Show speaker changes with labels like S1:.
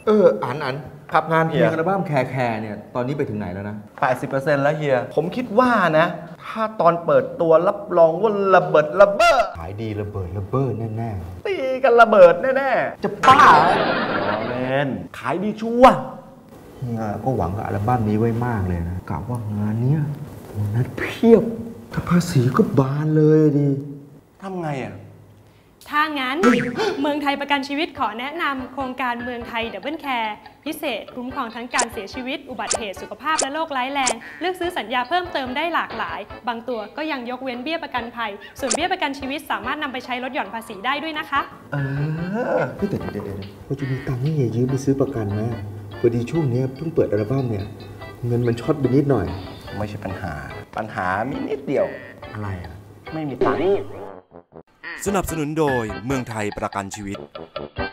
S1: อันครับ
S2: งานเพล
S1: เฮีย
S2: งอัลบั้มแคร์เนี่ยตอนนี้ไปถึงไหนแล้วนะ
S1: 80%แล้วเฮียผมคิดว่านะถ้าตอนเปิดตัวรับรองว่าระเบิดระเบ้อ
S2: ขายดีระเบิดระเบ้อแน่
S1: ตีกันระเบิดแน่ๆจะบ้าเล่นขายดีชัวร์
S2: ๆเฮียก็หวังกับอัลบั้มนี้ไว้มากเลยนะกะว่างานเนี้ยโบนัสเพียบถ้าภาษีก็บานเลยดิ
S1: ทำไงอ่ะ
S3: ถ้างั้น เมืองไทยประกันชีวิตขอแนะนำโครงการเมืองไทยดับเบิลแคร์พิเศษคุ้มครองทั้งการเสียชีวิตอุบัติเหตุสุขภาพและโรคร้ายแรงเลือกซื้อสัญญาเพิ่มเติมได้หลากหลายบางตัวก็ยังยกเว้นเบี้ยประกันภัยส่วนเบี้ยประกันชีวิตสามารถนำไปใช้ลดหย่อนภาษีได้ด้วยนะคะ
S2: แต่เดี๋ยวพอจะมีตังค์ให้เฮียยืมไปซื้อประกันไหมพอดีช่วงนี้เพิ่งเปิดอัลบั้มเนี่ยเงินมันช็อตไปนิดหน่อย
S1: ไม่ใช่ปัญหามีนิดเดียว
S2: อะไรอ่ะ
S1: ไม่มีตังค์
S4: สนับสนุนโดยเมืองไทยประกันชีวิต